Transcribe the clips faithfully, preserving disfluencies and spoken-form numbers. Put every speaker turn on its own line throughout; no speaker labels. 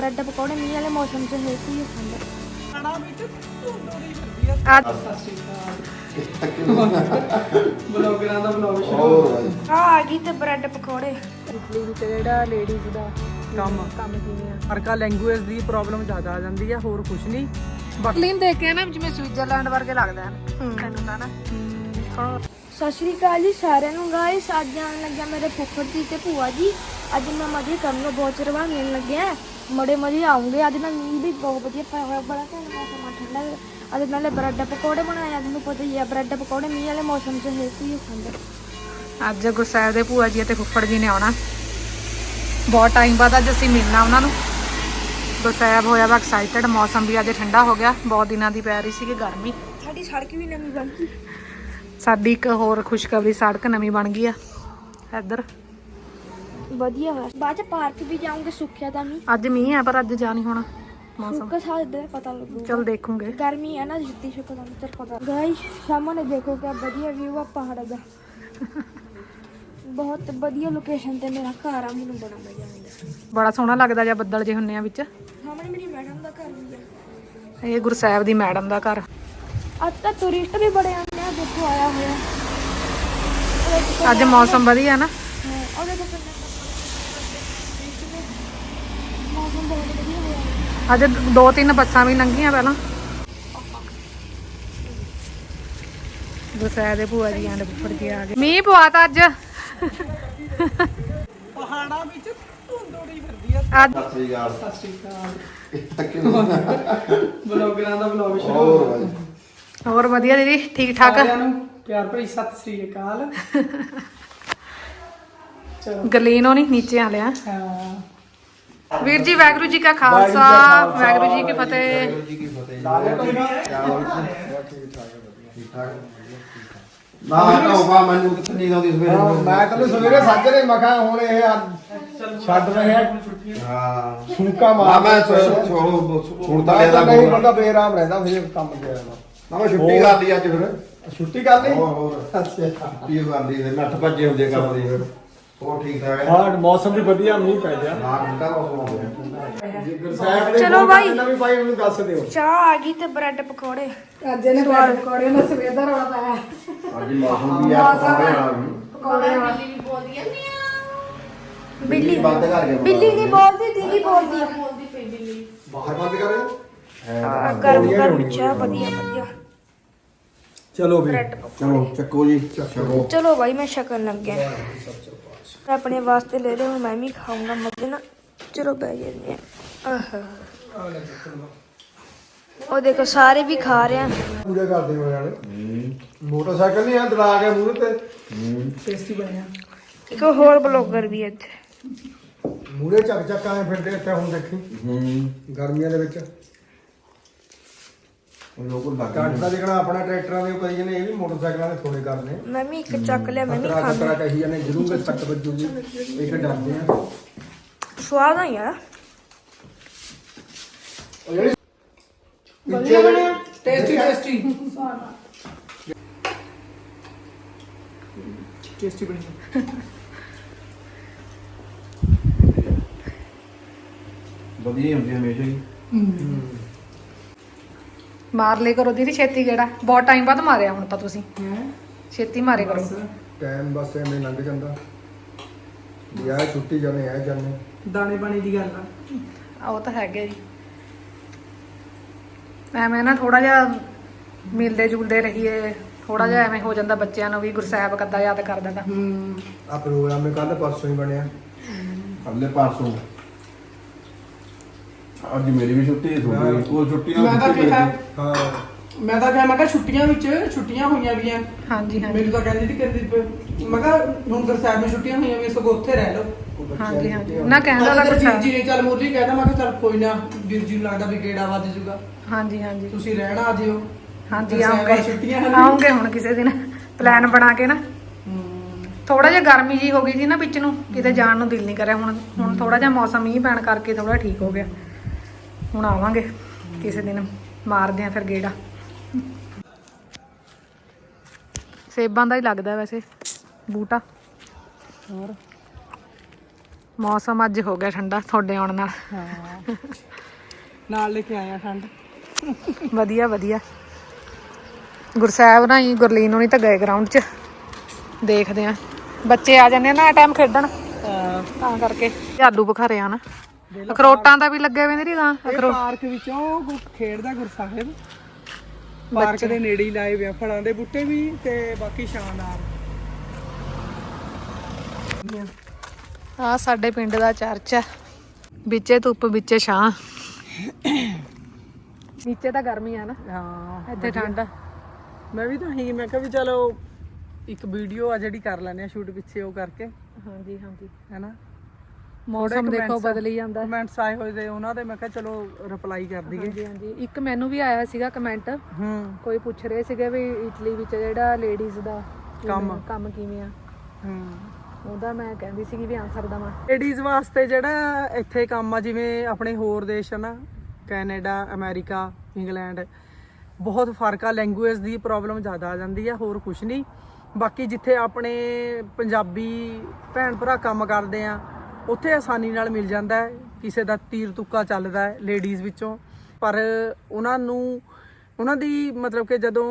Bread पकौड़े मीह वाले मौसम च है कि खांदे
ਖਾਣਾ ਵਿੱਚ ਧੁੰਦੋਰੀ ਫਿਰਦੀ ਆ।
आज
ਸਤਿ ਸ਼੍ਰੀ ਅਕਾਲ ਬਲੌਗਰਾਂ ਦਾ ਬਲੌਗ ਸ਼ੁਰੂ
आ गई ते ब्रेड पकौड़े ਇਟਲੀ ਵਿੱਚ ਜਿਹੜਾ ਲੇਡੀਜ਼ ਦਾ
ਕੰਮ
ਕੰਮ ਕਿਵੇਂ ਆ
ਹਰਕਾ ਲੈਂਗੁਏਜ ਦੀ ਪ੍ਰੋਬਲਮ ਜ਼ਿਆਦਾ ਆ ਜਾਂਦੀ ਆ, ਹੋਰ ਕੁਝ ਨਹੀਂ।
ਇਟਲੀ ਦੇਖ ਕੇ ਨਾ ਜਿਵੇਂ ਸਵਿਟਜ਼ਰਲੈਂਡ ਵਰਗੇ ਲੱਗਦਾ ਹੈ ਤੈਨੂੰ ਤਾਂ ਨਾ ਸਤਿ ਸ਼੍ਰੀ ਅਕਾਲ ਜੀ ਸਾਰਿਆਂ ਨੂੰ ਗਾਇਸ। ਅੱਜ ਆਉਣ ਲੱਗਿਆ ਮੇਰੇ ਫੁੱਫੜ ਜੀ ਤੇ ਭੂਆ ਜੀ। ਅੱਜ ਮੈਂ ਮਜ਼ੇ ਕਰਨ ਨੂੰ ਬਹੁਤ ਚਿਰ ਬਾਅਦ ਮਿਲਣ ਲੱਗਿਆ। ਬੜੇ ਮਜ਼ੇ ਆਉਂਗੇ। ਅੱਜ ਮੈਂ ਮੀਂਹ ਵੀ ਬਹੁਤ ਵਧੀਆ ਪਿਆ ਹੋਇਆ, ਬੜਾ ਘੈਂਟ ਮੌਸਮ ਠੰਡਾ। ਅੱਜ ਨਾਲੇ ਬ੍ਰੈਡ ਪਕੌੜੇ ਬਣਾਏ ਆ, ਤੁਹਾਨੂੰ ਪਤਾ ਹੀ ਆ ਬ੍ਰੈਡ ਪਕੌੜੇ ਮੀਂਹ ਵਾਲੇ ਮੌਸਮ 'ਚ ਹੈ ਕੀ ਖਾਂਦੇ।
ਅੱਜ ਗੁਰਸਾਹਿਬ ਦੇ ਭੂਆ ਜੀ ਅਤੇ ਫੁੱਫੜ ਜੀ ਨੇ ਆਉਣਾ। ਬਹੁਤ ਟਾਈਮ ਬਾਅਦ ਅੱਜ ਅਸੀਂ ਮਿਲਣਾ ਉਹਨਾਂ ਨੂੰ। ਗੁਰਸਾਹਿਬ ਹੋਇਆ ਵਾ ਐਕਸਾਈਟਡ। ਮੌਸਮ ਵੀ ਅੱਜ ਠੰਡਾ ਹੋ ਗਿਆ, ਬਹੁਤ ਦਿਨਾਂ ਦੀ ਪੈ ਰਹੀ ਸੀਗੀ ਗਰਮੀ।
ਸਾਡੀ ਸੜਕ ਵੀ ਨਵੀਂ ਬਣ ਗਈ।
ਸਾਡੀ ਇੱਕ ਹੋਰ ਖੁਸ਼ਖਬਰੀ, ਸੜਕ ਨਵੀਂ ਬਣ ਗਈ ਆ ਇੱਧਰ।
ਵਧੀਆ ਹੋਇਆ। ਬਾਅਦ 'ਚ ਪਾਰਕ ਵੀ ਜਾਉਂਗੇ, ਸੁੱਕਿਆ ਤਾਂ ਨਹੀਂ।
ਅੱਜ ਮੀਂਹ ਆ ਪਰ ਅੱਜ ਜਾ ਨਹੀਂ ਹੋਣਾ ਮੌਸਮ।
ਸੁੱਕਾ ਸਾਦੇ ਪਤਾ ਲੱਗੂ।
ਚਲ ਦੇਖੂਗੇ।
गर्मी है ना, जितनी शुक्र चल पता गाइस सामने देखो क्या बढ़िया व्यू है पहाड़ का। बहुत बढ़िया लोकेशन ते मेरा घर आ, मैनू बड़ा मजा आंदा।
ਬੜਾ ਸੋਹਣਾ ਲੱਗਦਾ ਜਾਂ ਬੱਦਲ ਜੇ ਹੁੰਨੇ ਆ ਵਿੱਚ।
सामने मेरी मैडम का घर भी है।
ਇਹ ਗੁਰਸਾਹਿਬ ਦੀ ਮੈਡਮ ਦਾ ਘਰ।
आज तक टूरिस्ट भी बड़े आते हैं, देखो आया हुआ
ਅੱਜ ਮੌਸਮ ਵਧੀਆ ਨਾ।
और देखो मौसम बहुत बढ़िया हुआ।
ਅੱਜ ਦੋ ਤਿੰਨ ਬੱਸਾਂ ਵੀ ਲੰਘੀਆਂ ਪਹਿਲਾਂ। ਗੁਰਸਾਹਿਬ ਦੇ ਭੂਆ ਜੀ ਆਂਦੇ ਫੁੱਫੜ ਜੀ ਆ ਗਏ। ਮੀਂਹ ਪਵਾਤਾ ਅੱਜ।
ਪਹਾੜਾਂ ਵਿੱਚ ਧੁੰਦੋਰੀ ਫਿਰਦੀ ਆ।
ਅੱਜ
ਸਤਿ ਸ਼੍ਰੀ ਅਕਾਲ ਬਲੌਗਰਾਂ ਦਾ ਬਲੌਗ ਸ਼ੁਰੂ।
ਹੋਰ ਵਧੀਆ ਦੀਦੀ, ਠੀਕ ਠਾਕ।
ਸਾਰਿਆਂ ਨੂੰ ਪਿਆਰ ਭਰੀ ਸਤਿ ਸ਼੍ਰੀ ਅਕਾਲ। ਚਲੋ
ਗਲੀਨੋਂ ਨਹੀਂ ਨੀਚੇ ਆ ਲਿਆ।
ਹਾਂ
ਵੀਰ ਜੀ ਵਾਹਿਗੁਰੂ ਜੀ ਕਾ ਖਾਲਸਾ, ਵਾਹਿਗੁਰੂ ਜੀ ਕੀ ਫਤਿਹ।
ਨਾ ਟੋਪਾ ਮੈਨੂੰ ਕਿੱਥੇ ਨਹੀਂ ਆਉਂਦੀ ਸਵੇਰੇ।
ਮੈਂ ਕੱਲ ਸਵੇਰੇ ਸਾਜਰੇ ਮਖਾ ਹੁਣ ਇਹ ਛੱਡ ਰਹੇ ਆ
ਹਾਂ
ਸੁਣਕਾ
ਨਾ
ਮਾਰ
ਮੈਂ ਸੁਣਦਾ
ਤਾਂ
ਲੈਦਾ
ਨਹੀਂ ਬੰਦਾ ਬੇਰਾਮ ਰਹਿੰਦਾ ਫਿਰ ਕੰਮ ਤੇ ਆਇਆ
ਨਾ ਮੈਂ ਛੁੱਟੀ ਕਰ ਲਈ ਅੱਜ ਫਿਰ।
ਛੁੱਟੀ ਕਰ ਲਈ।
ਹੋਰ ਹੋਰ
ਅੱਛਾ
ਛੁੱਟੀ ਕਰ ਲਈ ਤੇ ਨੱਠ ਭੱਜੇ ਹੁੰਦੇ ਕੰਮ ਦੀ ਫਿਰ। ਹੋਰ ਠੀਕ ਠਾਕ ਹੈ।
ਹਾਂ ਮੌਸਮ ਵੀ ਵਧੀਆ, ਮੀਂਹ ਪੈ ਗਿਆ।
ਨਾ ਠੰਡਾ ਮੌਸਮ ਹੋ ਗਿਆ।
ਸਾਹਿਬ
ਚਲੋ ਬਾਈ।
ਵੀ ਭਾਈ ਮੈਨੂੰ ਦੱਸ ਦਿਓ।
ਚਾਹ ਆ ਗਈ ਤੇ ਬ੍ਰੈਡ ਪਕੌੜੇ।
ਅੱਜ ਇਹਨੇ ਬ੍ਰੈਡ ਪਕੌੜੇ ਨਾਲ ਸਵੇਰ ਦਾ ਰੌਲਾ ਪਾਇਆ।
ਅੱਜ ਮੌਸਮ ਵੀ ਆ ਪਕੌੜੇ ਵਾਲਾ ਵੀ।
ਪਕੌੜੇ ਨਾਲ
ਬਿੱਲੀ
ਬੰਦ ਕਰ ਕੇ
ਬਿੱਲੀ ਨਹੀਂ ਬੋਲਦੀ, ਦੀਦੀ ਬੋਲਦੀ ਆ।
ਬਾਹਰ ਬੰਦ ਕਰੇ
ਆ, ਗਰਮ ਗਰਮ ਚਾਹ ਵਧੀਆ ਵਧੀਆ।
ਚਲੋ ਵੀ
ਬ੍ਰੈਡ ਪਕੌੜੇ।
ਚਲੋ ਚੱਕੋ ਜੀ ਚੱਕੋ।
चलो भाई मैं शकन लग गया। मैं अपने वास्ते ले रही हूँ, मैं भी खाऊंगा मजे ना। चलो बह जाते हैं। और देखो सारे भी खा रहे हैं।
ਪੂਰੇ ਕਰਦੇ ਹੋ ਨਾਲੇ। ਮੋਟਰਸਾਈਕਲ ਨਹੀਂ ਆ ਦਲਾ ਕੇ ਮੂਹਰੇ ਤੇ
ਟੇਸਟੀ ਬਣਿਆ।
एक होर ब्लॉगर भी है इत्थे।
ਮੂਹਰੇ ਚੱਕ ਚੱਕ ਆਏ ਫਿਰਦੇ ਇੱਥੇ ਹੁਣ ਦੇਖੀ
ਹੂੰ
ਗਰਮੀਆਂ ਦੇ ਵਿੱਚ।
ਲੋਕ ਲੱਗ
ਕੱਟ ਦਾ ਦੇਖਣਾ ਆਪਣਾ ਟਰੈਕਟਰਾਂ ਦੇ ਉਹ ਕਰੀ ਜਾਂਦੇ, ਇਹ ਵੀ ਮੋਟਰਸਾਈਕਲਾਂ ਦੇ ਥੋੜੇ ਕਰਨੇ।
मैं भी एक चक लिया, मैं भी
ਖਤਰਾ
खाऊंगा।
ਖਤਰਾ ਕਹੀ ਜਾਂਦੇ, ਜ਼ਰੂਰ ਸੱਟ ਵੱਜੂਗੀ। ਇਹ ਡਰਦੇ ਆ।
स्वाद है यार।
ਉਹ ਜਿਹੜੀ
ਵਧੀਆ ਬਣਿਆ, ਟੇਸਟੀ ਟੇਸਟੀ ਟੇਸਟੀ ਬਣਿਆ।
ਵਧੀਆ ਹੁੰਦੀ ਹਮੇਸ਼ਾ ਹੀ।
ਮਾਰ ਲੈ ਕਰੋ ਦੀਦੀ ਛੇਤੀ ਗੇੜਾ। ਬਹੁਤ ਟਾਈਮ ਬਾਅਦ ਮਾਰਿਆ ਹੁਣ ਤਾਂ ਤੁਸੀਂ। ਛੇਤੀ ਮਾਰੇ ਕਰੋ।
ਟਾਈਮ ਬਸ ਐਵੇਂ ਲੰਘ ਜਾਂਦਾ। ਯਾਰ ਛੁੱਟੀ ਜਾਣੇ ਆ ਜਾਣੇ।
ਦਾਣੇ ਪਾਣੀ ਦੀ ਗੱਲ ਆ।
ਆ ਉਹ ਤਾਂ ਹੈਗੇ ਜੀ। ਐਵੇਂ ਨਾ ਥੋੜਾ ਜਿਹਾ ਮਿਲਦੇ ਜੁਲਦੇ ਰਹੀਏ, ਥੋੜਾ ਜਿਹਾ ਐਵੇਂ ਹੋ ਜਾਂਦਾ ਬੱਚਿਆਂ ਨੂੰ ਵੀ ਗੁਰਸਾਹਿਬ ਕੱਦਾ ਯਾਦ ਕਰ ਦਿੰਦਾ।
ਆ ਪ੍ਰੋਗਰਾਮ ਨੇ ਕੱਲ ਪਰਸੋਂ ਹੀ ਬਣਿਆ।
ਅਗਲੇ ਪਰਸੋਂ ਅੱਜ ਮੇਰੀ ਵੀ ਛੁੱਟੀ ਹੈ, ਤੁਹਾਡੀ ਉਹ ਛੁੱਟੀ ਨਾਲ
ਮੈਂ ਤਾਂ
ਛੁੱਟੀ
ਕਿਹਾ
ਹਾਂ
ਮੈਂ ਤਾਂ ਕਿਹਾ ਮੈਂ ਕਿਹਾ ਛੁੱਟੀਆਂ ਵਿੱਚ ਛੁੱਟੀਆਂ ਹੋਈਆਂ ਵੀ ਆ।
ਹਾਂਜੀ ਹਾਂਜੀ
ਮੈਨੂੰ ਤਾਂ ਕਹਿੰਦੀ ਸੀ ਕਹਿੰਦੀ ਮੈਂ ਕਿਹਾ ਹੁਣ ਗੁਰਸਾਹਿਬ ਨੂੰ ਛੁੱਟੀਆਂ ਹੋਈਆਂ ਵੀ, ਸਗੋਂ ਉੱਥੇ ਰਹਿ ਲਓ।
ਹਾਂਜੀ ਹਾਂਜੀ ਨਾ ਕਹਿੰਦਾ
ਮੈਂ
ਤਾਂ
ਤਾਂ ਵੀਰ
ਗੁਰਸਾਹਿਬ।
ਜੀ ਨੇ ਚੱਲ ਮੁਰਲੀ ਕਹਿੰਦਾ, ਮੈਂ ਕਿਹਾ ਚੱਲ ਕੋਈ ਨਾ, ਵੀਰ ਜੀ ਨੂੰ ਲੱਗਦਾ ਵੀ ਗੇੜਾ ਵੱਜ ਜੂਗਾ,
ਹਾਂਜੀ ਹਾਂਜੀ
ਤੁਸੀਂ ਰਹਿਣਾ ਆ ਜਿਓ।
ਹਾਂਜੀ
ਗੁਰਸਾਹਿਬ ਵਾਲੀ
ਆਉਂਗੇ
ਛੁੱਟੀਆਂ ਹਨ।
ਆਉਂਗੇ ਹੁਣ ਕਿਸੇ ਦਿਨ ਪਲਾਨ ਬਣਾ ਕੇ ਨਾ। ਥੋੜਾ ਜਿਹਾ ਗਰਮੀ ਜੀ ਹੋ ਗਈ ਸੀ ਨਾ ਵਿੱਚ ਨੂੰ, ਕਿਤੇ ਜਾਣ ਨੂੰ ਦਿਲ ਨਹੀਂ ਕਰਿਆ। ਹੁਣ ਹੁਣ ਥੋੜਾ ਜਿਹਾ ਮੌਸਮ ਮੀਂਹ ਪੈਣ ਕਰਕੇ ਥੋੜਾ ਠੀਕ ਹੋ ਗਿਆ। ਹੁਣ ਆਵਾਂਗੇ ਕਿਸੇ ਦਿਨ, ਮਾਰਦੇ ਆ ਫਿਰ ਗੇੜਾ। ਸੇਬਾਂ ਦਾ ਹੀ ਲੱਗਦਾ ਵੈਸੇ ਬੂਟਾ। ਹੋਰ ਮੌਸਮ ਅੱਜ ਹੋ ਗਿਆ ਠੰਡਾ ਤੁਹਾਡੇ ਆਉਣ ਨਾਲ।
ਹਾਂ ਨਾਲ ਲੈ ਕੇ ਆਇਆ ਠੰਡ।
ਵਧੀਆ ਵਧੀਆ। ਗੁਰਸਾਹਿਬ ਨਾਲ ਹੀ ਗੁਰਲੀਨ ਹੋਣੀ ਤਾਂ ਗਏ ਗਰਾਊਂਡ 'ਚ, ਦੇਖਦੇ ਆ ਬੱਚੇ ਆ ਜਾਂਦੇ ਆ ਨਾ ਟਾਈਮ ਖੇਡਣ, ਤਾਂ ਕਰਕੇ। ਆਲੂ ਬੁਖਾਰੇ ਆ ਨਾ, ਅਖਰੋਟਾਂ ਦਾ ਵੀ ਲੱਗੇ ਹੋਏ ਨੇ ਗਾਂ।
ਇਹ ਪਾਰਕ ਵਿੱਚੋਂ ਖੇਡਦਾ ਗੁਰਸਾਹਿਬ, ਪਾਰਕ ਦੇ ਨੇੜੇ ਹੀ ਲਾਏ ਹੋਏ ਆ ਫਲਾਂ ਦੇ ਬੂਟੇ ਵੀ ਤੇ ਬਾਕੀ ਸ਼ਾਨਦਾਰ।
ਆ ਸਾਡੇ ਪਿੰਡ ਦਾ ਚਰਚ ਆ, ਵਿੱਚੇ ਧੁੱਪ ਵਿੱਚੇ ਛਾਂ। ਨੀਚੇ ਤਾਂ ਗਰਮੀ ਆ ਨਾ,
ਹਾਂ
ਇੱਥੇ ਠੰਡ ਆ।
ਮੈਂ ਵੀ ਤਾਂ ਹੀ ਮੈਂ ਕਿਹਾ ਵੀ ਚਲੋ ਇੱਕ ਵੀਡੀਓ ਆ ਜਿਹੜੀ ਕਰ ਲੈਂਦੇ ਆ ਸ਼ੂਟ ਪਿੱਛੇ ਉਹ ਕਰਕੇ,
ਹਾਂਜੀ ਹਾਂਜੀ।
ਹੈਨਾ।
ਮੌਸਮ ਦੇਖੋ ਬਦਲੀ ਜਾਂਦਾ।
ਕਮੈਂਟਸ ਆਏ ਹੋਏ ਤੇ ਉਹਨਾਂ ਦੇ ਮੈਂ ਕਿਹਾ ਚਲੋ ਰਿਪਲਾਈ ਕਰ ਦਈਏ।
ਹਾਂਜੀ ਹਾਂਜੀ। ਇੱਕ ਮੈਨੂੰ ਵੀ ਆਇਆ ਸੀਗਾ ਕਮੈਂਟ,
ਹੂੰ
ਕੋਈ ਪੁੱਛ ਰਹੇ ਸੀਗੇ ਵੀ ਇਟਲੀ ਵਿੱਚ ਜਿਹੜਾ ਲੇਡੀਜ਼ ਦਾ
ਕੰਮ
ਕੰਮ ਕਿਵੇਂ ਆ,
ਹੂੰ
ਉਹਦਾ ਮੈਂ ਕਹਿੰਦੀ ਸੀਗੀ ਵੀ ਆਨਸਰ ਦਵਾਂ।
ਲੇਡੀਜ਼ ਵਾਸਤੇ ਜਿਹੜਾ ਇੱਥੇ ਕੰਮ ਆ, ਜਿਵੇਂ ਆਪਣੇ ਹੋਰ ਦੇਸ਼ ਨਾ ਕੈਨੇਡਾ, ਅਮਰੀਕਾ, ਇੰਗਲੈਂਡ, ਬਹੁਤ ਫਰਕ ਆ। ਲੈਂਗੁਏਜ ਦੀ ਪ੍ਰੋਬਲਮ ਜ਼ਿਆਦਾ ਆ ਜਾਂਦੀ ਆ, ਹੋਰ ਕੁਛ ਨਹੀਂ। ਬਾਕੀ ਜਿੱਥੇ ਆਪਣੇ ਪੰਜਾਬੀ ਭੈਣ ਭਰਾ ਕੰਮ ਕਰਦੇ ਆ ਉੱਥੇ ਆਸਾਨੀ ਨਾਲ ਮਿਲ ਜਾਂਦਾ ਹੈ, ਕਿਸੇ ਦਾ ਤੀਰ ਤੁੱਕਾ ਚੱਲਦਾ ਹੈ ਲੇਡੀਜ਼ ਵਿੱਚੋਂ। ਪਰ ਉਹਨਾਂ ਨੂੰ ਉਹਨਾਂ ਦੀ ਮਤਲਬ ਕਿ ਜਦੋਂ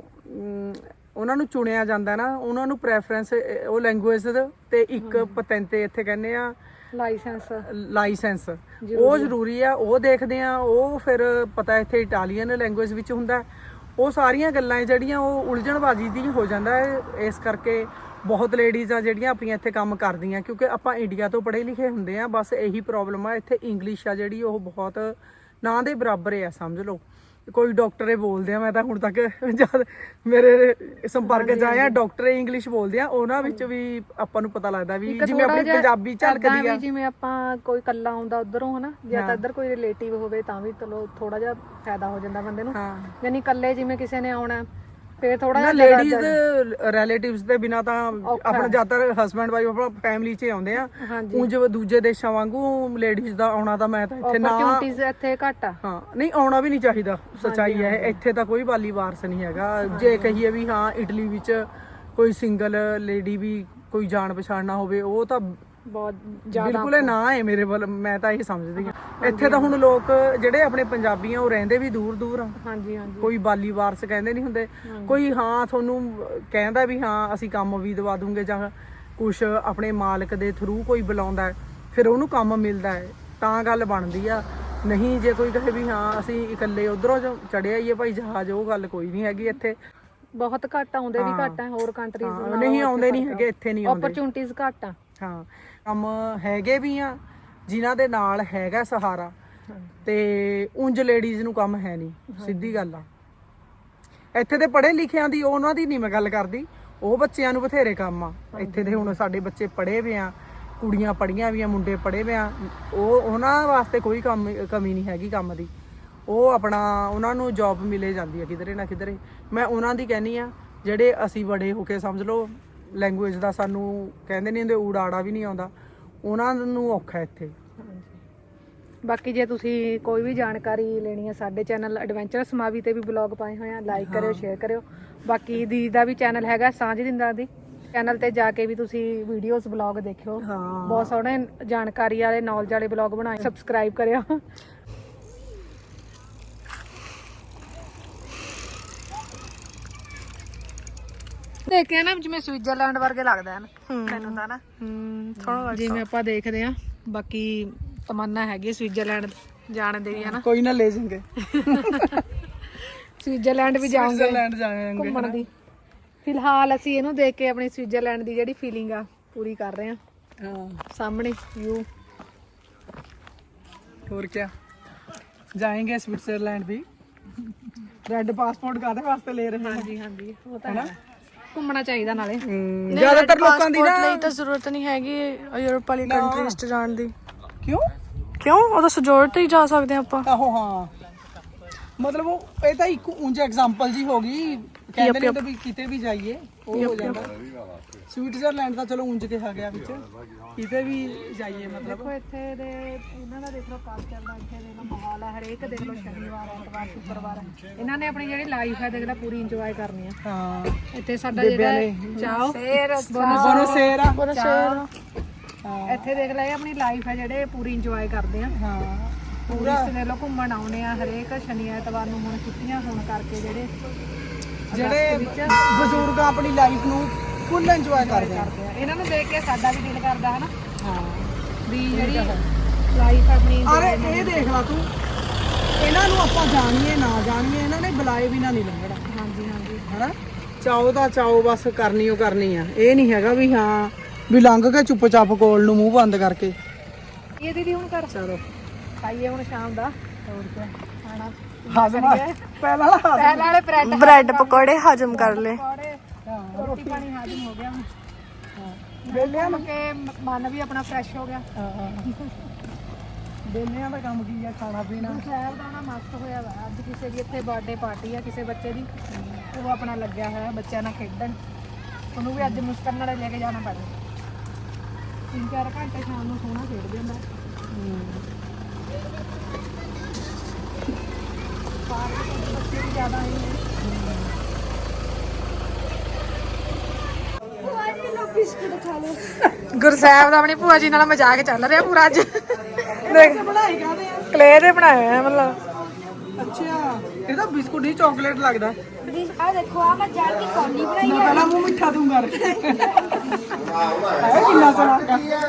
ਉਹਨਾਂ ਨੂੰ ਚੁਣਿਆ ਜਾਂਦਾ ਨਾ, ਉਹਨਾਂ ਨੂੰ ਪ੍ਰੈਫਰੈਂਸ ਉਹ ਲੈਂਗੁਏਜ ਤੇ ਇੱਕ ਪਤੈਂਤੇ ਇੱਥੇ ਕਹਿੰਦੇ ਆ
ਲਾਇਸੈਂਸ,
ਲਾਇਸੈਂਸ ਉਹ ਜ਼ਰੂਰੀ ਆ, ਉਹ ਦੇਖਦੇ ਆ। ਉਹ ਫਿਰ ਪਤਾ ਇੱਥੇ ਇਟਾਲੀਅਨ ਲੈਂਗੁਏਜ ਵਿੱਚ ਹੁੰਦਾ, ਉਹ ਸਾਰੀਆਂ ਗੱਲਾਂ ਜਿਹੜੀਆਂ ਉਹ ਉਲਝਣਬਾਜ਼ੀ ਦੀ ਹੋ ਜਾਂਦਾ ਹੈ। ਇਸ ਕਰਕੇ ਬਹੁਤ ਲੇਡੀਜ਼ ਆ ਜਿਹੜੀਆਂ ਆਪਣੀਆਂ ਇੱਥੇ ਕੰਮ ਕਰਦੀਆਂ, ਕਿਉਂਕਿ ਆਪਾਂ ਇੰਡੀਆ ਤੋਂ ਪੜ੍ਹੇ ਲਿਖੇ ਹੁੰਦੇ ਆ। ਬਸ ਇਹੀ ਪ੍ਰੋਬਲਮ ਆ ਇੱਥੇ, ਇੰਗਲਿਸ਼ ਆ ਜਿਹੜੀ ਉਹ ਬਹੁਤ ਨਾ ਦੇ ਬਰਾਬਰ ਆ, ਸਮਝ ਲਓ। ਕੋਈ ਡਾਕਟਰ ਇਹ ਬੋਲਦੇ ਆ, ਮੈਂ ਤਾਂ ਹੁਣ ਤੱਕ ਜਦ ਮੇਰੇ ਸੰਪਰਕ ਚ ਆਇਆ ਡਾਕਟਰ ਇੰਗਲਿਸ਼ ਬੋਲਦੇ ਆ, ਉਹਨਾਂ ਵਿੱਚ ਵੀ ਆਪਾਂ ਨੂੰ ਪਤਾ ਲੱਗਦਾ ਵੀ ਜਿਵੇਂ ਆਪਣੀ ਪੰਜਾਬੀ ਝਲਕਦੀ ਆ।
ਜਿਵੇਂ ਆਪਾਂ ਕੋਈ ਕੱਲਾ ਆਉਂਦਾ ਉਧਰੋਂ ਹਨਾ, ਜਾਂ ਤਾਂ ਇੱਧਰ ਕੋਈ ਰਿਲੇਟਿਵ ਹੋਵੇ ਤਾਂ ਵੀ ਚਲੋ ਥੋੜਾ ਜਿਹਾ ਫਾਇਦਾ ਹੋ ਜਾਂਦਾ ਬੰਦੇ ਨੂੰ। ਯਾਨੀ ਕੱਲੇ ਜਿਵੇਂ ਕਿਸੇ ਨੇ ਆਉਣਾ ਫੇਰ ਥੋੜਾ ਜਿਹਾ
ਲੇਡੀਜ਼ ਰਿਲੇਟਿਵਸ ਦੇ ਬਿਨਾ ਤਾਂ ਆਪਣਾ ਜ਼ਿਆਦਾਤਰ ਹਸਬੈਂਡ ਵਾਈਫ ਆਪਣਾ ਫੈਮਿਲੀ 'ਚ ਆਉਂਦੇ ਆ। ਉਂਝ ਦੂਜੇ ਦੇਸ਼ਾਂ ਵਾਂਗੂ ਲੇਡੀਜ਼ ਦਾ ਆਉਣਾ ਤਾਂ ਮੈਂ ਤਾਂ ਇੱਥੇ ਨਾ,
ਇੱਥੇ ਘੱਟ ਆ।
ਹਾਂ ਨਹੀਂ ਆਉਣਾ ਵੀ ਨਹੀਂ ਚਾਹੀਦਾ, ਸੱਚਾਈ ਹੈ। ਇੱਥੇ ਤਾਂ ਕੋਈ ਵਾਲੀ ਵਾਰਸ ਨਹੀਂ ਹੈਗਾ। ਜੇ ਕਹੀਏ ਵੀ ਹਾਂ ਇਟਲੀ ਵਿੱਚ ਕੋਈ ਸਿੰਗਲ ਲੇਡੀ ਵੀ ਕੋਈ ਜਾਣ ਪਛਾਣ ਨਾ ਹੋਵੇ, ਉਹ ਤਾਂ
ਬਹੁਤ
ਬਿਲਕੁਲ ਨਾ ਹੈ ਮੇਰੇ ਵੱਲ, ਮੈਂ ਤਾਂ ਇਹ ਸਮਝਦੀ ਹਾਂ। ਇੱਥੇ ਤਾਂ ਹੁਣ ਲੋਕ ਜਿਹੜੇ ਆਪਣੇ ਪੰਜਾਬੀ ਆ ਉਹ ਰਹਿੰਦੇ ਵੀ ਦੂਰ ਦੂਰ ਆ।
ਹਾਂਜੀ ਹਾਂਜੀ।
ਕੋਈ ਬਾਲੀ ਵਾਰਸ ਕਹਿੰਦੇ ਨਹੀਂ ਹੁੰਦੇ, ਕੋਈ ਹਾਂ ਤੁਹਾਨੂੰ ਕਹਿੰਦਾ ਵੀ ਹਾਂ ਅਸੀਂ ਕੰਮ ਵੀ ਦਵਾ ਦੂੰਗੇ, ਜਾਂ ਕੁਛ ਆਪਣੇ ਮਾਲਕ ਦੇ ਥਰੂ ਕੋਈ ਬੁਲਾਉਂਦਾ ਫਿਰ ਉਹਨੂੰ ਕੰਮ ਮਿਲਦਾ ਹੈ, ਤਾਂ ਗੱਲ ਬਣਦੀ ਆ। ਨਹੀਂ ਜੇ ਕੋਈ ਕਹੇ ਵੀ ਹਾਂ ਅਸੀਂ ਇਕੱਲੇ ਉਧਰੋਂ ਚੜਿਆ ਹੀ ਹੈ ਭਾਈ ਜਹਾਜ਼, ਉਹ ਗੱਲ ਕੋਈ ਨਹੀਂ ਹੈਗੀ ਇੱਥੇ।
ਬਹੁਤ ਘੱਟ ਆਉਂਦੇ ਵੀ ਘੱਟ ਆ ਹੋਰ ਕੰਟਰੀਜ਼ ਨਾਲੋਂ,
ਨਹੀਂ ਆਉਂਦੇ ਨਹੀਂ ਹੈਗੇ, ਇੱਥੇ ਨਹੀਂ ਆਉਂਦੇ।
ਓਪਰਚੁਨਿਟੀਜ਼ ਘੱਟ ਆ।
ਹਾਂ ਕੰਮ ਹੈਗੇ ਵੀ ਆ ਜਿਨ੍ਹਾਂ ਦੇ ਨਾਲ ਹੈਗਾ ਸਹਾਰਾ, ਤੇ ਉਂਝ ਲੇਡੀਜ਼ ਨੂੰ ਕੰਮ ਹੈ ਨਹੀਂ, ਸਿੱਧੀ ਗੱਲ ਆ। ਇੱਥੇ ਦੇ ਪੜ੍ਹੇ ਲਿਖਿਆਂ ਦੀ ਉਹਨਾਂ ਦੀ ਨਹੀਂ ਮੈਂ ਗੱਲ ਕਰਦੀ, ਉਹ ਬੱਚਿਆਂ ਨੂੰ ਬਥੇਰੇ ਕੰਮ ਆ ਇੱਥੇ ਦੇ। ਹੁਣ ਸਾਡੇ ਬੱਚੇ ਪੜ੍ਹੇ ਵੇ ਆ, ਕੁੜੀਆਂ ਪੜ੍ਹੀਆਂ ਵੀ ਆ, ਮੁੰਡੇ ਪੜ੍ਹੇ ਵੇ ਆ, ਉਹ ਉਹਨਾਂ ਵਾਸਤੇ ਕੋਈ ਕੰਮ ਕਮੀ ਨਹੀਂ ਹੈਗੀ ਕੰਮ ਦੀ। ਉਹ ਆਪਣਾ ਉਹਨਾਂ ਨੂੰ ਜੌਬ ਮਿਲੇ ਜਾਂਦੀ ਆ ਕਿਧਰੇ ਨਾ ਕਿਧਰੇ। ਮੈਂ ਉਹਨਾਂ ਦੀ ਕਹਿੰਦੀ ਆ ਜਿਹੜੇ ਅਸੀਂ ਬੜੇ ਹੋ ਕੇ ਸਮਝ ਲਓ ਲੈਂਗੁਏਜ ਦਾ ਸਾਨੂੰ ਕਹਿੰਦੇ ਨਹੀਂ ਹੁੰਦੇ ਊੜਾ ਆੜਾ ਵੀ ਨਹੀਂ ਆਉਂਦਾ, ਉਹਨਾਂ ਨੂੰ ਔਖਾ ਇੱਥੇ।
ਬਾਕੀ ਜੇ ਤੁਸੀਂ ਕੋਈ ਵੀ ਜਾਣਕਾਰੀ ਲੈਣੀ ਹੈ, ਸਾਡੇ ਚੈਨਲ ਐਡਵੈਂਚਰਸ ਮਾਵੀ ਤੇ ਵੀ ਬਲੌਗ ਪਾਏ ਹੋਏ ਆ, ਲਾਈਕ ਕਰਿਓ, ਸ਼ੇਅਰ ਕਰਿਓ। ਬਾਕੀ ਦੀ ਦਾ ਵੀ ਚੈਨਲ ਹੈਗਾ ਸਾਂਝ ਦਿੰਦਾ ਦੀ, ਚੈਨਲ ਤੇ ਜਾ ਕੇ ਵੀ ਤੁਸੀਂ ਵੀਡੀਓਜ਼ ਬਲੌਗ ਦੇਖਿਓ, ਬਹੁਤ ਸੋਹਣੇ ਜਾਣਕਾਰੀ ਵਾਲੇ ਨੌਲੇਜ ਵਾਲੇ ਬਲੌਗ ਬਣਾਏ। ਸਬਸਕ੍ਰਾਈਬ ਕਰਿਓ। ਦੇਖਿਆ ਨਾ ਜਿਵੇਂ ਸਵਿਟਜ਼ਰਲੈਂਡ ਵਰਗੇ ਲੱਗਦਾ ਹੈ ਨਾ ਮੈਨੂੰ ਤਾਂ ਨਾ, ਥੋੜਾ ਜਿਵੇਂ ਆਪਾਂ ਦੇਖਦੇ ਆ। ਬਾਕੀ ਤਮੰਨਾ ਹੈਗੀ ਸਵਿਟਜ਼ਰਲੈਂਡ ਜਾਣ ਦੀ ਹੈ ਨਾ,
ਕੋਈ ਨਾ ਲੈ ਜਾਵਾਂਗੇ,
ਸਵਿਟਜ਼ਰਲੈਂਡ ਵੀ ਜਾਵਾਂਗੇ,
ਸਵਿਟਜ਼ਰਲੈਂਡ ਜਾਵਾਂਗੇ
ਘੁੰਮਣ ਦੀ। ਫਿਲਹਾਲ ਅਸੀਂ ਇਹਨੂੰ ਦੇਖ ਕੇ ਆਪਣੀ ਸਵਿਟਜ਼ਰਲੈਂਡ ਦੀ ਜਿਹੜੀ ਫੀਲਿੰਗ ਆ ਪੂਰੀ ਕਰ ਰਹੇ ਆ।
ਹਾਂ
ਸਾਹਮਣੇ ਵਿਊ।
ਹੋਰ ਕੀ ਜਾਏंगे स्विट्जरलैंड भी। ਰੈੱਡ ਪਾਸਪੋਰਟ ਕਾਹਦੇ ਵਾਸਤੇ ਲੈ ਰਹੇ ਹਾਂ?
ਹਾਂਜੀ ਹਾਂਜੀ, ਉਹ ਤਾਂ ਹੈ, ਘੁੰਮਣਾ ਚਾਹੀਦਾ ਨਾਲੇ।
ਜ਼ਿਆਦਾਤਰ ਲੋਕਾਂ ਦੀ ਨਾ
ਲਈ ਤਾਂ ਜ਼ਰੂਰਤ ਨਹੀਂ ਹੈਗੀ ਯੂਰਪ ਵਾਲੀ ਕੰਟਰੀਜ਼ 'ਚ ਜਾਣ ਦੀ।
ਕਿਉਂ
ਕਿਉਂ? ਉਹਦਾ ਸਜੋੜ ਤੇ ਹੀ ਜਾ ਸਕਦੇ ਆਪਾਂ।
ਆਹੋ ਹਾਂ, ਮਤਲਬ ਉਹ ਇਹ ਤਾਂ ਇੱਕ ਉਂਝ ਐਗਜ਼ਾਮਪਲ ਜੀ ਹੋ ਗਈ, ਕਹਿੰਦੇ ਨੇ ਤਾਂ ਵੀ ਕਿਤੇ ਵੀ ਜਾਈਏ ਉਹ ਹੋ ਜਾਂਦਾ। ਸਵਿਟਜ਼ਰਲੈਂਡ ਦਾ ਚਲੋ ਉਂਝ ਕਿਹਾ ਗਿਆ ਵਿੱਚ, ਕਿਤੇ ਵੀ ਜਾਈਏ ਮਤਲਬ।
ਦੇਖੋ ਇੱਥੇ ਦੇ ਇਹਨਾਂ ਦਾ ਦੇਖ ਲਓ ਕਲਚਰ ਦਾ, ਇੱਥੇ ਦੇ ਮਾਹੌਲ ਹੈ, ਹਰੇਕ ਦੇਖ ਲਓ ਸ਼ਨੀਵਾਰ ਐਤਵਾਰ ਸ਼ੁੱਕਰਵਾਰ ਇਹਨਾਂ ਨੇ ਆਪਣੀ ਜਿਹੜੀ ਲਾਈਫ ਹੈ ਦੇਖ ਲਓ ਪੂਰੀ ਇੰਜੋਏ ਕਰਨੀ ਆ।
ਹਾਂ
ਇੱਥੇ ਸਾਡਾ ਜਿਹੜਾ ਚਾਓ
ਬੋਨੋ ਸੇਰਾ
ਇੱਥੇ ਦੇਖ ਲੈ ਇਹ ਆਪਣੀ ਲਾਈਫ ਹੈ ਜਿਹੜੇ ਪੂਰੀ ਇੰਜੋਏ ਕਰਦੇ ਆ।
ਹਾਂ
ਟੂਰਿਸਟ ਦੇ ਲੋਕ ਘੁੰਮਣ ਆਉਣੇ ਆ ਹਰੇਕ ਸ਼ਨੀ ਐਤਵਾਰ ਨੂੰ। ਹੁਣ ਛੁੱਟੀਆਂ ਹੋਣ ਕਰਕੇ ਜਿਹੜੇ
ਜਿਹੜੇ ਬਜ਼ੁਰਗ ਆਪਣੀ ਲਾਈਫ ਨੂੰ ਫੁੱਲ ਇੰਜੋਏ ਕਰਦੇ ਆ।
ਕਰਦੇ ਆ ਇਹਨਾਂ ਨੂੰ ਦੇਖ ਕੇ ਸਾਡਾ ਵੀ ਦਿਲ ਕਰਦਾ ਹੈ ਨਾ
ਹਾਂ
ਵੀ ਜਿਹੜੀ ਲਾਈਫ ਆਪਣੀ
ਅਰੇ ਇਹ ਦੇਖ ਲਾ ਤੂੰ, ਇਹਨਾਂ ਨੂੰ ਆਪਾਂ ਜਾਣੀਏ ਨਾ ਜਾਣੀਏ ਇਹਨਾਂ ਨੇ ਬੁਲਾਏ ਬਿਨਾਂ ਨਹੀਂ ਲੰਘਣਾ।
ਹਾਂਜੀ ਹਾਂਜੀ
ਹਨਾ ਚਾਓ ਦਾ ਚਾਓ ਬਸ ਕਰਨੀ ਓ ਕਰਨੀ ਆ। ਇਹ ਨਹੀਂ ਹੈਗਾ ਵੀ ਹਾਂ ਵੀ ਲੰਘ ਕੇ ਚੁੱਪਚਾਪ ਕੋਲ ਨੂੰ ਮੂੰਹ ਬੰਦ ਕਰਕੇ।
ਇਹ ਦੀਦੀ ਹੁਣ ਕਰ
ਚਲੋ
ਖਾਈਏ ਹੁਣ ਸ਼ਾਮ ਦਾ ਹੋਰ ਕੀ ਖਾਣਾ
ਹਾਜ਼ਮ ਪਹਿਲਾਂ ਵਾਲਾ ਹਾਜ਼ਮ।
ਪਹਿਲਾਂ ਵਾਲੇ ਬ੍ਰੈਡ
ਬ੍ਰੈਡ ਪਕੌੜੇ ਹਜਮ ਕਰ ਲੈ।
ਪਕੌੜੇ ਰੋਟੀ ਪਾਣੀ ਹਾਜ਼ਮ ਹੋ ਗਿਆ ਹੁਣ।
ਬੇਲਿਆਂ
ਮੁੜ ਕੇ ਮਨ ਵੀ ਆਪਣਾ ਫਰੈਸ਼ ਹੋ ਗਿਆ।
ਬੇਲਿਆਂ ਦਾ ਕੰਮ ਕੀ ਆ, ਖਾਣਾ ਪੀਣਾ।
ਸ਼ਹਿਰ ਦਾ ਨਾ ਮਸਤ ਹੋਇਆ ਵਾ। ਅੱਜ ਕਿਸੇ ਦੀ ਇੱਥੇ ਬਰਥਡੇ ਪਾਰਟੀ ਆ ਕਿਸੇ ਬੱਚੇ ਦੀ, ਉਹ ਆਪਣਾ ਲੱਗਿਆ ਹੋਇਆ ਬੱਚਿਆਂ ਨਾਲ ਖੇਡਣ। ਉਹਨੂੰ ਵੀ ਅੱਜ ਮੁਸਕਰ ਨਾਲ ਲੈ ਕੇ ਜਾਣਾ ਪੈਣਾ। ਤਿੰਨ ਚਾਰ ਘੰਟੇ ਸ਼ਾਮ ਨੂੰ ਸੋਹਣਾ ਖੇਡਦੇ ਹੁੰਦਾ। ਪਾਰਕ ਦੇ ਬੱਚੇ ਵੀ ਜ਼ਿਆਦਾ ਆਏ ਨੇ।
ਬਿਸਕੁਟ ਖਾ ਲਓ।
ਗੁਰਸਾਹਿਬ ਦਾ ਆਪਣੀ ਭੂਆ ਜੀ ਨਾਲ ਮਜ਼ਾਕ ਚੱਲ ਰਿਹਾ ਪੂਰਾ ਅੱਜ। ਦੇਖ
ਬਣਾਈ ਕਾਹਦੇ ਆ?
ਕਲੇ ਦੇ ਬਣਾਏ ਹੋਏ ਆ ਮਤਲਬ।
ਅੱਛਾ ਇਹ ਤਾਂ ਬਿਸਕੁਟ ਹੀ ਚਾਕਲੇਟ ਲੱਗਦਾ।
ਆ ਦੇਖੋ ਆ ਮੈਂ ਜਾਣ ਕੇ ਕੌਲੀ ਬਣਾਈ
ਮੈਂ
ਹੈ।
ਪਹਿਲਾਂ ਮੂੰਹ ਮਿੱਠਾ ਦੂੰ ਕਰ। ਆਏ ਕਿੰਨਾ ਸੋਹਣਾ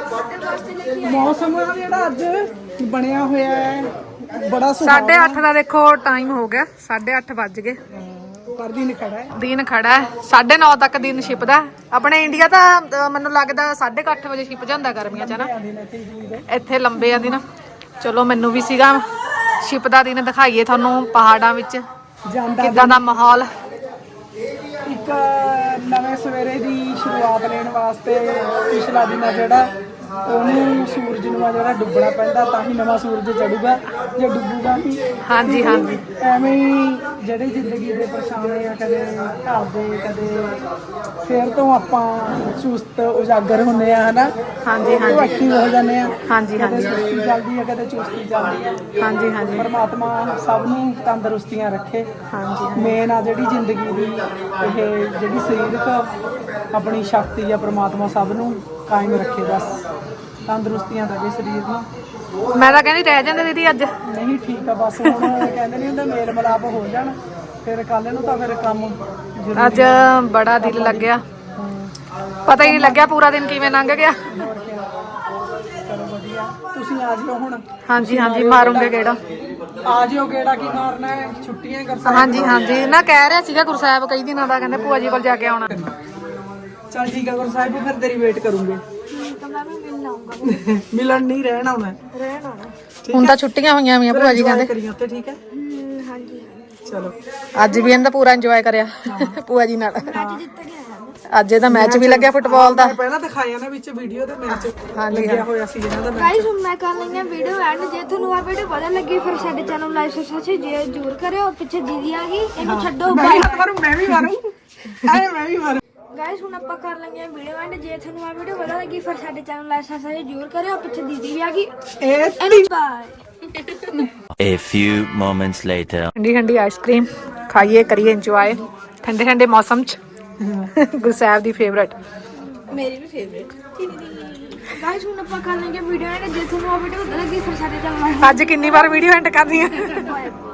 ਮੌਸਮ ਆ ਜਿਹੜਾ ਅੱਜ ਬਣਿਆ ਹੋਇਆ ਹੈ ਬੜਾ ਸੁਹਾਵਣਾ।
ਸਾਢੇ ਅੱਠ ਦਾ ਦੇਖੋ ਟਾਈਮ ਹੋ ਗਿਆ। ਸਾਢੇ ਅੱਠ ਵੱਜ ਗਏ।
ਪਰ ਦਿਨ ਖੜਾ ਹੈ।
ਦਿਨ ਖੜਾ ਹੈ। ਸਾਢੇ ਨੌ ਤੱਕ ਦਿਨ ਛਿਪਦਾ। ਆਪਣੇ ਇੰਡੀਆ ਤਾਂ ਅਹ, ਮੈਨੂੰ ਲੱਗਦਾ ਸਾਢੇ ਕੁ ਅੱਠ ਵਜੇ ਛਿਪ ਜਾਂਦਾ ਗਰਮੀਆਂ 'ਚ ਨਾ।
ਦਿਨ ਇੱਥੇ ਹੀ ਦੇ
ਇੱਥੇ ਲੰਬੇ ਆ ਦਿਨ। ਚਲੋ ਮੈਨੂੰ ਵੀ ਸੀਗਾ ਛਿਪ ਦਾ ਦਿਨ ਦਿਖਾਈਏ ਤੁਹਾਨੂੰ ਪਹਾੜਾਂ ਵਿੱਚ
ਜਾਂਦਾ
ਕਿੱਦਾਂ ਦਾ ਮਾਹੌਲ।
ਇੱਕ ਨਵੇਂ ਸਵੇਰੇ ਦੀ ਸ਼ੁਰੂਆਤ ਲੈਣ ਵਾਸਤੇ ਪਿਛਲਾ ਦਿਨ ਆ ਜਿਹੜਾ ਉਹਨੂੰ ਸੂਰਜ ਨੂੰ ਆ ਜਿਹੜਾ ਡੁੱਬਣਾ ਪੈਂਦਾ ਤਾਂ ਹੀ ਨਵਾਂ ਸੂਰਜ ਚੜੂਗਾ। ਜੇ ਡੁੱਬੂਗਾ ਨਹੀਂ
ਹਾਂਜੀ ਹਾਂਜੀ
ਐਵੇਂ ਹੀ ਜਿਹੜੇ ਜ਼ਿੰਦਗੀ ਦੇ ਪਰਛਾਵੇਂ ਆ ਕਦੇ ਘਰ ਦੇ ਕਦੇ ਫੇਰ ਤੋਂ ਆਪਾਂ ਚੁਸਤ ਉਜਾਗਰ ਹੁੰਦੇ ਆ ਹਨਾ।
ਹਾਂਜੀ ਹਾਂਜੀ
ਐਕਟਿਵ ਹੋ ਜਾਂਦੇ ਆ।
ਹਾਂਜੀ
ਕਦੇ
ਹਾਂਜੀ
ਸੁਸਤੀ ਚੱਲਦੀ ਆ ਕਦੇ ਚੁਸਤੀ ਚੱਲਦੀ ਆ।
ਹਾਂਜੀ ਹਾਂਜੀ
ਪਰਮਾਤਮਾ ਸਭ ਨੂੰ ਤੰਦਰੁਸਤੀਆਂ ਰੱਖੇ।
ਹਾਂਜੀ
ਮੇਨ ਆ ਜਿਹੜੀ ਜ਼ਿੰਦਗੀ ਦੀ ਇਹ ਜਿਹੜੀ ਸਰੀਰਕ ਆਪਣੀ ਸ਼ਕਤੀ ਆ ਪਰਮਾਤਮਾ ਸਭ ਨੂੰ ਕਾਇਮ ਰੱਖੇ। ਬਸ ਤੰਦਰੁਸਤੀਆਂ ਦੇਵੇ ਸਰੀਰ ਨੂੰ।
ਮੈਂ ਤਾਂ ਕਹਿੰਦੀ ਰਹਿ ਜਾਂਦੇ ਦੀਦੀ ਅੱਜ।
ਨਹੀਂ ਠੀਕ ਆ ਬਸ ਹੁਣ ਕਹਿੰਦੇ ਨਹੀਂ ਹੁੰਦੇ ਮੇਲ ਮਿਲਾਪ ਹੋ ਜਾਣ ਫਿਰ ਕੱਲ ਨੂੰ ਤਾਂ ਫਿਰ ਕੰਮ ਜ਼ਰੂਰੀ
ਅੱਜ ਬੜਾ ਦਿਲ ਲੱਗਿਆ। ਪਤਾ ਹੀ ਨਹੀਂ ਲੱਗਿਆ ਪੂਰਾ ਦਿਨ ਕਿਵੇਂ ਲੰਘ ਗਿਆ।
ਹੋਰ ਕਿਆ। ਚਲੋ ਵਧੀਆ ਤੁਸੀਂ ਆ ਜਿਓ ਹੁਣ।
ਹਾਂਜੀ ਹਾਂਜੀ ਮਾਰੂੰਗੇ ਕਿਹੜਾ।
ਆ ਜਿਓ ਗੇੜਾ ਕੀ ਮਾਰਨਾ ਹੈ ਛੁੱਟੀਆਂ ਕਰ ਸਕਦੇ।
ਹਾਂਜੀ ਹਾਂਜੀ ਨਾ ਕਹਿ ਰਿਹਾ ਸੀਗਾ ਗੁਰਸਾਹਿਬ ਕਈ ਦਿਨਾਂ ਦਾ ਕਹਿੰਦੇ ਭੂਆ ਜੀ ਕੋਲ ਜਾ ਕੇ ਆਉਣਾ।
ਚੱਲ ਠੀਕ ਆ ਗੁਰੂ ਸਾਹਿਬ ਫਿਰ ਤੇਰੀ ਵੇਟ ਕਰੂੰਗੇ।
ਤਾਂ ਮੈਂ ਵੀ ਮਿਲਣ ਆਉਂਗਾ।
ਮਿਲਣ ਨਹੀਂ ਰਹਿਣ ਆਉਣਾ।
ਰਹਿਣ ਆਉਣਾ।
ਹੁਣ ਤਾਂ ਛੁੱਟੀਆਂ ਹੋਈਆਂ ਵੀਆਂ ਭੂਆ ਜੀ ਕਹਿੰਦੇ।
ਕਰੀ ਉੱਤੇ ਠੀਕ ਹੈ।
ਹਮ, ਹਾਂਜੀ
ਚਲੋ
ਅੱਜ ਵੀ ਇਹਦਾ ਪੂਰਾ ਇੰਜੋਏ ਕਰਿਆ ਭੂਆ ਜੀ ਨਾਲ।
ਅੱਜ ਜਿੱਤ ਗਿਆ ਹੈ।
ਅੱਜ ਇਹਦਾ ਮੈਚ ਵੀ ਲੱਗਿਆ ਫੁੱਟਬਾਲ ਦਾ।
ਮੈਂ ਪਹਿਲਾਂ ਦਿਖਾਇਆ ਨਾ ਵਿੱਚ ਵੀਡੀਓ ਦੇ ਮੈਚ
ਹਾਂਜੀ,
ਲੱਗਿਆ ਹੋਇਆ ਸੀ ਇਹਨਾਂ ਦਾ ਮੈਚ।
ਗਾਇਸ ਹੁਣ ਮੈਂ ਕਰ ਲਈਆਂ ਵੀਡੀਓ ਐਂਡ ਜੇ ਤੁਹਾਨੂੰ ਆ ਵੀਡੀਓ ਵਧੀਆ ਲੱਗੀ ਫਿਰ ਸਾਡੇ ਚੈਨਲ ਨੂੰ ਲਾਈਕ ਸਬਸਕ੍ਰਾਈਬ ਜ਼ਰੂਰ ਕਰਿਓ। ਪਿੱਛੇ ਦੀਦੀ ਆ ਗਈ ਇਹਨੂੰ ਛੱਡੋ
ਮੈਂ
ਬਾਏ।
ਵੀ ਮਾਰੂ ਮੈਂ ਵੀ ਮਾਰੂ ਐ ਮੈਂ ਵੀ ਮਾਰੂ।
ਗਾਇਸ ਹੁਣ ਆਪਾਂ ਕਰ ਲਈਆਂ ਵੀਡੀਓ ਐਂਡ ਜੇ ਤੁਹਾਨੂੰ ਆ ਵੀਡੀਓ ਵਧੀਆ ਲੱਗੀ ਫਿਰ ਸਾਡੇ ਚੈਨਲ ਨੂੰ ਲਾਈਕ ਸਬਸਕ੍ਰਾਈਬ ਜ਼ਰੂਰ ਕਰਿਓ। ਪਿੱਛੇ ਦੀਦੀ ਵੀ ਆ ਗਈ
ਇਹ
and bye.
A few moments later.
ਠੰਡੀ ਠੰਡੀ ਆਈਸਕ੍ਰੀਮ ਖਾਈਏ ਕਰੀਏ ਇੰਜੋਏ ਠੰਡੇ ਠੰਡੇ ਮੌਸਮ 'ਚ। ਗੁਰਸਾਹਿਬ ਦੀ ਫੇਵਰਟ।
ਮੇਰੀ ਵੀ ਫੇਵਰੇਟ। ਗਾਇਸ ਹੁਣ ਆਪਾਂ ਕਰ ਲਈਆਂ ਵੀਡੀਓ ਐਂਡ ਜੇ ਤੁਹਾਨੂੰ ਆ ਵੀਡੀਓ ਵਧੀਆ ਲੱਗੀ ਫਿਰ ਸਾਡੇ ਚੈਨਲ ਨੂੰ
ਅੱਜ ਕਿੰਨੀ ਵਾਰ ਵੀਡੀਓ ਐਂਡ ਕਰਦੀ ਆ।
ਬਾਏ।